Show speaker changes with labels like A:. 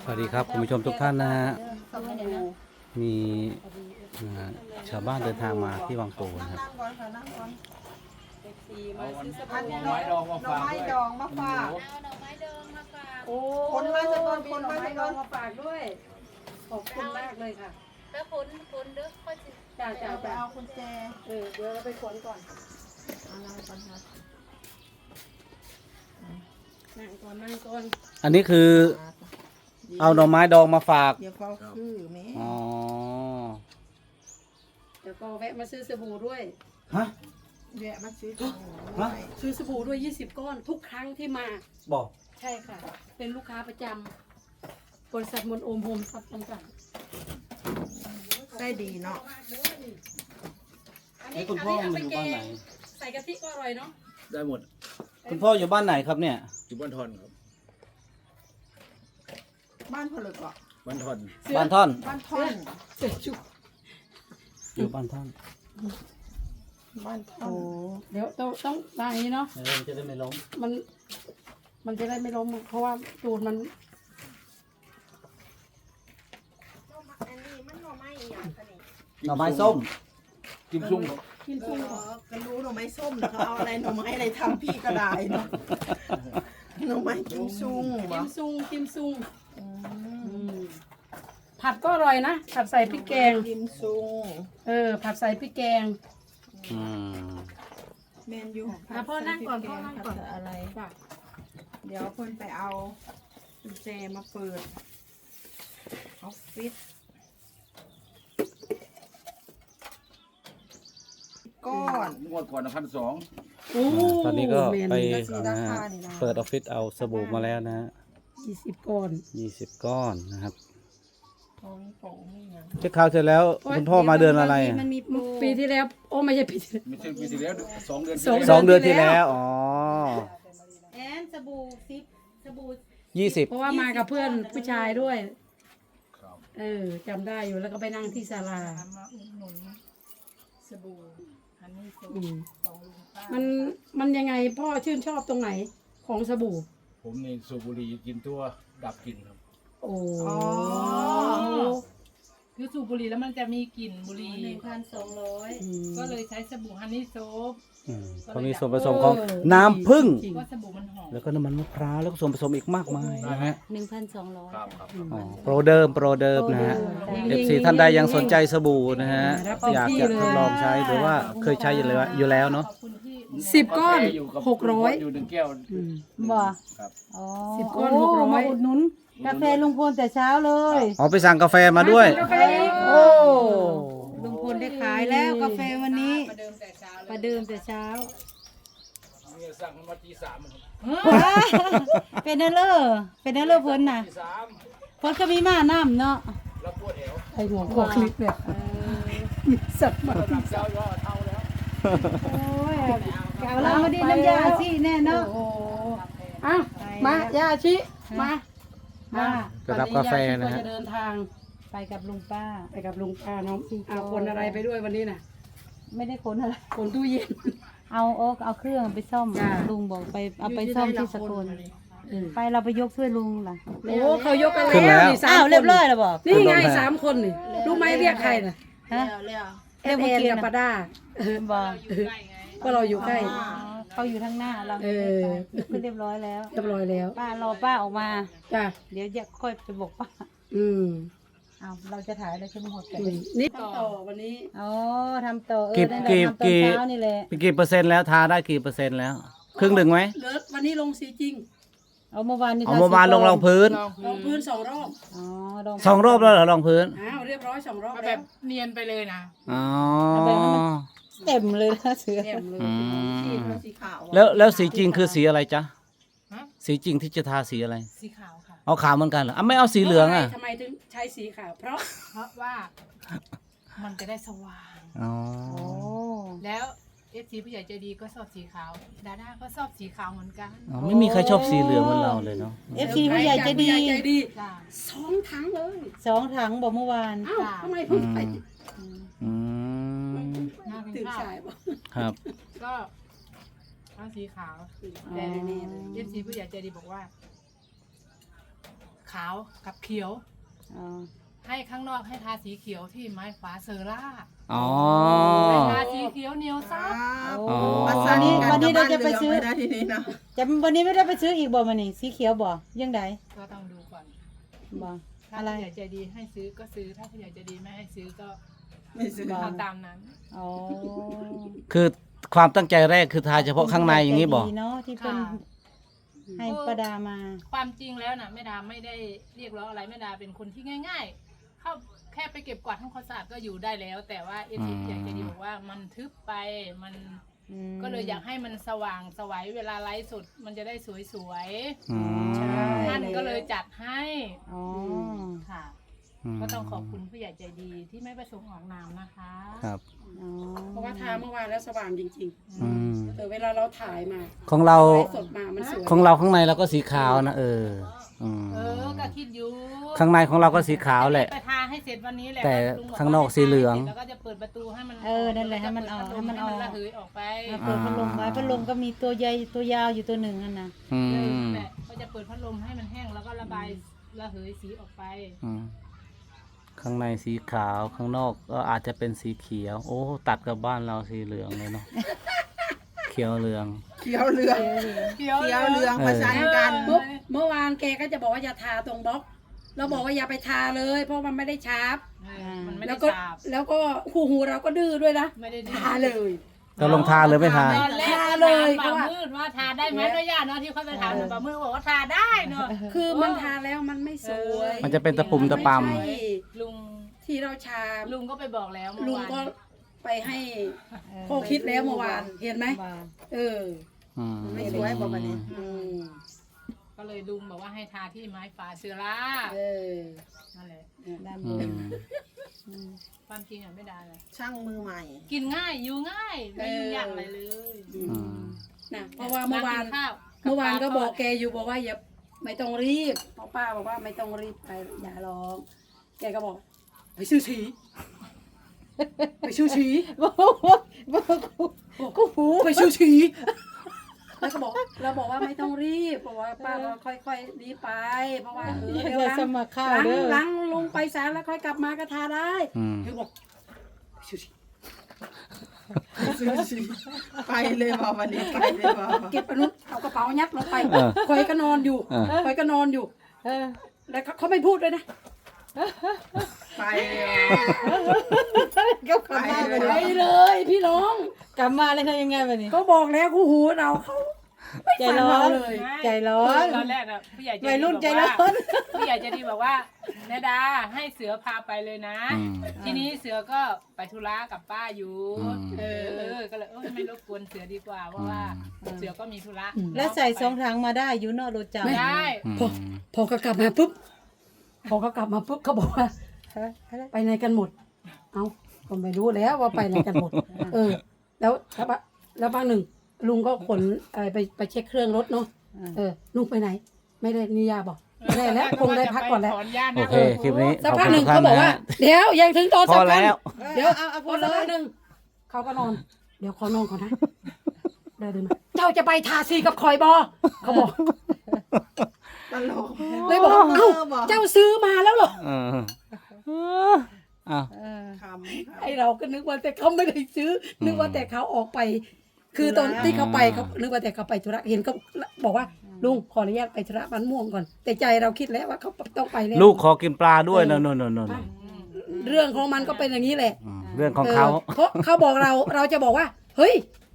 A: วัสดีครับคุณผู้ชมทุกท่านนะฮะมีชาวบ้านเดินทางมาที่วังโป่งนะครับ
B: อันนี้หน่อไม้ดองมาฝาก
C: เอาหน่อไม้ดองมาฝากโอ้คนมาจะก่อนคนมาจะก่อนมาฝากด้วยขอบคุณมากเลยค่ะแล้วผลเด้อค่อยจ่าไปเอากุญแจเดี๋ยวเราไปขนก่อนนั่งก่อน
A: อันนี้คือเอาหน่อไม้ดองมาฝาก
D: เดี๋ยวเขาคือแม่
A: อ๋อ
C: เดี๋ยวก็แวะมาซื้อสบู่ด้วย
A: ฮะ
D: แวะมาซื้อของ
A: ฮะ
C: ซื้อสบู่ด้วย20 ก้อนทุกครั้งที่มา
A: บอก
C: ใช่ค่ะ เป็นลูกค้าประจำบริษัทมนโอมโฮมซับจำกัด
D: ได้ดีเนาะ
A: นี่คุณพ่ออยู่บ้านไหน
C: ใส่กะทิก็อร่อยเนาะ
B: ได้หมด
A: คุณพ่ออยู่บ้านไหนครับเนี่ย
B: อยู่บ้านทอนครับ
D: บ้านผลึกเหรอ
B: บ้านทอน
A: บ้านท่อน
D: บ้านท่อน
C: เสร็จจุก
A: อยู่บ้านท่อน
D: บ้านท่อน
C: เดี๋ยวต้องวางอย่างนี้เนาะ
A: เดี๋ยวมันจะได้ไม่ล้ม
C: มันจะได้ไม่ล้มอะเพราะว่าตูดมัน
D: อันนี้มันหน่อไม้อีหยังคะนี่
A: หน่อไม้ส้ม
B: กิมซุ่มครับ
C: กิน
D: เอ
C: ฟุ้ง
D: อก็รู้หน่อไม้ส้มแต่เขาเอาอะไรหน่อไม้อะไรทำพี่ก็ได้เนาะหน่อไม้กิมซุงเหร
C: กิ
D: อ
C: มซุงกิมซุง
D: อืม
C: ผัดก็อร่อยนะผัดใส่พริกแกง
D: กิมซุง
C: ผัดใส่พริกแกง
A: อืม
D: แมนยู
C: พ่อนั่งก่อนพ่อนั่งก่อน
D: ผัดอะไรเดี๋ยวเพิ่นไปเอากุญแจมาเปิดออฟฟิศก้อน
B: งวดก่อน1,200
C: โอ้
A: ตอนนี้ก็ไป
D: สีราคานี่นะ
A: เปิดออฟฟิศเอาสบู่มาแล้วนะฮะ
C: 20 ก้อน
A: 20 ก้อนนะครับ
D: ของของนี่ยัง
A: เช็คข่าวเสร็จแล้วคุณพ่อมาเดือนอะไรอะ
D: มันมีโปร
C: ปีที่แล้วโอ้ไม่ใช่ปีที่แล้ว
B: ไม่ใช่ปีที่แล้ว2 เดือน
C: สอง
A: 2 เดือนที่แล้ว อ๋อ
D: แอนสบู่ซิปสบู่
A: 20
C: เพราะว่ามากับเพื่อนผู้ชายด้วย
B: ครับ
C: จำได้อยู่แล้วก็ไปนั่งที่ศาลา
D: มาอุดหนุนสบู่ฮันนี่โซ
C: อืม
D: ของลุงป้า
C: มันยังไงพ่อชื่นชอบตรงไหนของสบู่
B: ผมนี่สูบบุหรี่กินตัวดับกลิ่นครับ
C: โอ้
D: อ๋อ
E: คือสูบบุหรี่แล้วมันจะมีกลิ่นบุหรี่
C: อืม
E: ก็เลยใช้สบู่ฮันนี่โซฟ
A: เขามีส่วนผสมของน้ำผึ้ง
C: จริง
E: ก็สบู่มันหอม
A: แล้วก็น้ำมันมะพร้าวแล้วก็ส่วนผสมอีกมากมายนะฮะ
F: 1,200
B: ครับครับ
A: อ๋อโปรเดิมนะฮะ FC ท่านใดยังสนใจสบู่นะฮะ อยากจะทดลองใช้หรือว่าเคยใช้อยู่แล้วเนาะ
E: ขอบคุณที่
C: 10 ก้อน
B: อยู่กับ
C: 600
B: อยู่1 แก้ว
F: บ่
B: ครับ
F: อ๋อ
C: 10 ก้อน
F: โ
C: 600
F: มาอุดหนุนกาแฟลุงพลแต่เช้าเลย
A: อ๋อไปสั่งกาแฟมาด้วย
C: กาแฟอีก
A: โอ้
F: ลุงพลได้ขายแล้วกาแฟวันนี้
E: ประเดิมแต่เช้าเลย
F: ประเดิมแต่เช้า
B: เนี่ยสั่งมาตี 3ครับ
F: เป็นเนอเลอร์เป็นเนอเลอร์เพิ่นน่ะ
B: ตี 3
F: เพิ่นก็มีมาน้ำเนาะ
B: แล้วปวดแอว
C: ไอหัวคลิปเนี่ยมีสัตว์มา
B: ระดับเจ้ายอดเท่าแล้ว
F: โอ้ยเอาเรามาดีน้ำยาสิแน่เนาะ
C: โอ้อ้าวมาย่าชิมา
F: มา
A: จะรับกาแฟนะ
C: วั
A: ฮะ
C: จะเดินทาง
F: ไปกับลุงป้า
C: ไปกับลุงป้าน้องเอาคนอะไรไปด้วยวันนี้น่ะ
F: ไม่ได้ขนอะไร
C: คนตู้เย็น
F: เอาเครื่องไปซ่อม
C: จ้ะ
F: ลุงบอกไปเอาไปซ่อมที่สกลไปเราไปยกช่วยลุงล่ะ
C: โอ้เขายกกัน
A: ขึ้นแล้
C: แล้ว
A: ว
C: นี่สาม
F: อ้าว
C: คน
F: เรียบร้อยแล้วบอก
C: นี่ไง3 คนนี่รู้ไหมเรียกใครน่ะ
F: ฮะ
C: แอนแอนกับปาด้า
F: บอก
C: ก็เราอยู่ใกล้
F: อ๋อเขาอยู่ทางหน้าเรา
C: เออ
F: คือเรียบร้อยแล้ว
C: เรียบร้อยแล้ว
F: ป้ารอป้าออกมา
C: จ้ะ
F: เดี๋ยวจะค่อยไปบอกป้า
C: อืม
F: เอาเราจะถ่ายอะไรใช่ไหมหดกัน
C: นี่ต่อวันนี้
F: อ๋อทำต่อ
A: กี่
F: นั่นแหละ
A: กี่
F: ทำตอน
A: กี่
F: เช้านี่แหละ
A: กี่เปอร์เซ็นต์แล้วทาได้กี่เปอร์เซ็นต์แล้ว ครึ่งหนึ่งไหม
C: เหลือวันนี้ลงสีจริง
F: เอาเมื่อวานนี่
A: เอาเมื่อวานลงรองพื้น
C: ลงพื้น2 รอบ
F: อ๋อลง
A: 2 รอบแล้วเหรอรองพื้น
C: อ้าวเรียบร้อย2 รอบ
E: เอา
C: แบ
E: แบบ บเนียนไปเลยนะ
A: อ๋อ
F: เต็มเลยนะเสือ
C: แจ่มเลย
A: อืม
D: สีขาว
A: แล้วสีจริงคือสีอะไรจ๊ะ
E: ฮะ
A: สีจริงที่จะทาสีอะไร
E: สีขาวค่ะ
A: เอาขาวเหมือนกันเหรออ่ะไม่เอาสีเหลืองอ่ะ
C: ทำไมถึงใช้สีขาวเพราะ
E: เพราะว่ามันจะได้สว่าง
A: อ๋อ
F: โอ้
E: แล้วเอฟซีผู้ใหญ่ใจดีก็ชอบสีขาว ดาด้าก็ชอบสีขาวเหมือนกัน
A: อ๋อไม่มีใครชอบสีเหลืองเหมือนเราเลยเนาะ
F: เอฟซีผู้ใหญ่ใจะดี
C: ผู้ใหญ่ใจดี
E: จ้า
C: 2 ถังเลย
F: 2 ถังบอกเมื่อวาน
C: อ้าวทำไมเพิ่งไป
A: อืม
E: น่ากิน
C: ตื่น
E: ข้าว
C: สายบ่
A: ครับ
E: ก็เอาสีขาวแต่เอฟซีผู้ใหญ่ใจดีบอกว่าขาวกับเขียว
F: อ๋อ
E: ให้ข้างนอกให้ทาสีเขียวที่ไม้ฟ้าเซอร่า
A: อ๋อ
E: ให้ทาสีเขียวเหนียวซับ
A: อ๋อ
F: วันนี้เราจะไปซื้อ
D: นะทีนี้นะ
F: จะวันนี้ไม่ได้ไปซื้ออีกบ่มานี่สีเขียวบ่ยังไง
E: ก็ต้องดูก่อน
F: บ่
E: ถ้า
F: อะไร
E: ผู้ใหญ่ใจดีให้ซื้อก็ซื้อถ้าผู้ใหญ่ใจดีไม่ให้ซื้อก็
D: ไม่ซื้อ
E: เอาตามนั้น
F: อ๋อ
A: คือความตั้งใจแรกคือทาเฉพาะข้างในอย่างนี้บ่
F: ดีเนาะที่เป็น
E: ค่ะ
F: ให้ประดามา
E: ความจริงแล้วนะแม่ดาไม่ได้เรียกร้องอะไรแม่ดาเป็นคนที่ง่าย ๆ เข้าแค่ไปเก็บกวาดทำความสะอาดก็อยู่ได้แล้ว แต่ว่าเอฟซีอยากจะดีบอกว่ามันทึบไปมันก็เลยอยากให้มันสว่างสวยเวลาไลฟ์สดมันจะได้สวย
A: อืม
E: ๆท่านก็เลยจัดให้
F: อ๋อ
E: ค่ะ
A: อืม
E: ก็ต้องขอบคุณผู้ใหญ่ใจดีที่ไม่ประสงค์ออกนามนะคะ
A: ครับ
F: อ๋อ
C: เพราะว่าทาเมื่อวานแล้วสว่างจริง
A: อืม
C: ๆเวลาเราถ่ายมา
A: ของเรา
C: ไลฟ์สดมามันสวย
A: ของเราข้างในเราก็สีขาวนะอืม
E: ก็คิดอยู่
A: ข้างในของเราก็สีขาวแหละ
E: ไปทาให้เสร็จวันนี้แหละ
A: แต่
E: ลุบอกว่
A: ข้างนอกสีเหลือง
E: แล้วก็จะเปิดประตูให้มัน
F: นั่นแหละให้มันออกให้มันออก
E: ระเหยออกไป
F: เปิดพัดลมไว้พัดลมก็มีตัวใหญ่ตัวยาวอยู่ตัวหนึ่งนั่นนะ
A: อืม
E: แหละก็จะเปิดพัดลมให้มันแห้งแล้วก็ระบายระเหยสีออกไป
A: อืมข้างในสีขาวข้างนอกก็อาจจะเป็นสีเขียว โอ้ตัดกับบ้านเราสีเหลืองเลยเนาะ เขียวเหลือง
D: เขียวเหลือง
E: เขียว
D: เขียวเหลืองประชันกัน
C: เมื่อวานแกก็จะบอกว่าอย่าทาตรงบล็อกเราบอกว่าอย่าไปทาเลย เพราะมันไม่ได้ชาร์ป
E: มันไม่
C: แล้
E: ได้
C: วก็
E: สาบ
C: แล้วก็หูเราก็ดื้อด้วยนะ
E: ไม่ได้ดี
C: ทาเลย
A: เราลงทาหรือไม่ทา
E: ตอนแรก
C: ทาเลย
E: ถามป่ามืดว่าทาได้ไหมด้วยญาติเนาะที่เขาไปถามป่ามืดบอกว่าทาได้เนาะ
C: คือมันทาแล้วมันไม่สวย
A: มันจะเป็นตะปุ่มตะป
C: ไม่ใช่
E: ลุง
C: ที่เราชา
E: ลุงก็ไปบอกแล้วเมื่อ
C: ลุง
E: วาน
C: ก็ไปให้พ่อคิดแล้วเมื่อวานเห็นไหม
F: ว่า
C: เออ
A: อืม
D: ไม่สวยบอกวันนี้
C: อืม
E: ก็เลยลุงบอกว่าให้ทาที่ไม้ฟ้าเสือร่า
C: เออ
E: นั่นแหละ
F: ด้านบ
A: อื
F: น
A: ม
E: ความจริงอ่ะไม่ได้เลย
D: ช่างมือใหม่
E: กินง่ายอยู่ง่ายไม่ยุ่งยากอะไรเลย
A: อืม
C: นะเพราะว่าเมื่อวาน
E: ข้าว
C: เมื่อวานก็บอกแกอยู่บอกว่าอย่าไม่ต้องรีบเพราะป้าบอกว่าไม่ต้องรีบไปอย่าร้องแกก็บอกไปซื้อสีไปซื้อสี
F: กูหู
C: ไปซื้อสีแล้วก็บอกเราบอกว่าไม่ต้องรีบบอกว่าป้าก็ค่อยๆรีบไปเพราะว่าเดี๋ยว
F: จะสมัครข้าวเด้อ
C: หลังลงไปศาลแล้วค่อยกลับมาก็ทาได้
A: อืม
C: เธอบอกไปซื้อสี
D: ไปเลยบอกวันนี้ไปเลยบอก
C: เก็บอนุเอากระเป๋ายัดลงไป
A: เออ
C: คอยก็นอนอยู่
A: เออ
C: คอยก็นอนอยู่
F: เออ
C: แล้วเขาไม่พูดเลยนะ
D: ไปเลย
F: ก็กลับมาไป
C: ไป
F: เลย
C: เลยพี่น้อง
F: กลับมาเลยทำยังไงแบบนี้
C: ก็บอกแล้วคู่หูเราเขาไม่
F: ใจ
C: ฟัง
F: ร้อ
C: เรา
F: น
C: เลย
F: ใจร้อน
E: ตอนแรกอะผู้ใหญ่ใจดี
F: วัยรุ่นใจ
E: บอก
F: ร้
E: ว่า
F: อน
E: ผู้ใหญ่ใจดีบอกว่าแม่ดาให้เสือพาไปเลยนะ
A: อืม
E: ทีนี้เสือก็ไปธุระกับป้าอยู่
A: อืม
E: ก็เลยไม่รบกวนเสือดีกว่าเพราะว่าเสือก็มีธุระ
F: แล้วใส่สองถังมาได้อยู่เนอกรถจักร
E: ได้
A: อืม
C: พอเขากลับมาปุ๊บพอเขากลับมาปุ๊บเขาบอกว่า ไปไหนกันหมด เอาก็ไม่รู้แล้วว่าไปไหนกันหมด แล้วบางหนึ่งลุงก็ขนไปเช็คเครื่องรถเนาะลุงไปไหน ไม่ได้นิยาบอกไม่ได้แล้วคงได้พักก่อนแล้ว
E: ถอนหญ้า
A: โอ
E: นะ
A: เค คลิปนี้
C: สัก
A: ขอบ
C: พัก
A: คุณ
C: ห
A: ทุ
C: นึ่ง
A: กท่าน
C: เขาบอก
A: นะ
C: ว่า
A: ฮะ
C: เดี๋ยวยังถึงตอน
A: พอ
C: สำคัญ
A: แล้ว
C: เดี๋ยว
F: เอา
C: พอสักพักหนึ่งเขาก็นอน เดี๋ยวขอนอนก่อนนะเดินมาเจ้าจะไปทาสีกับคอยบอเขาบอก
D: ตลก
C: เลยบอกเอ้าเจ้าซื้อมาแล้วเหรอ
A: เอออ้าว
D: คำ
C: ไอเราก็นึกว่าแต่เขาไม่ได้ซื้อ นึกว่าแต่เขาออกไป คือตอนที่เขาไปเขานึกว่าแต่เขาไปธุระเห็นเขาบอกว่าลุงขออนุญาตไปธุระบ้านม่วงก่อน แต่ใจเราคิดแล้วว่าเขาต้องไปแล้ว
A: ลูกขอกินปลาด้วยนนน
C: เรื่องของมันก็เป็นอย่างนี้แหละ
A: เรื่องของเขา
C: เพราะเขาบอกเราจะบอกว่า เฮ้ย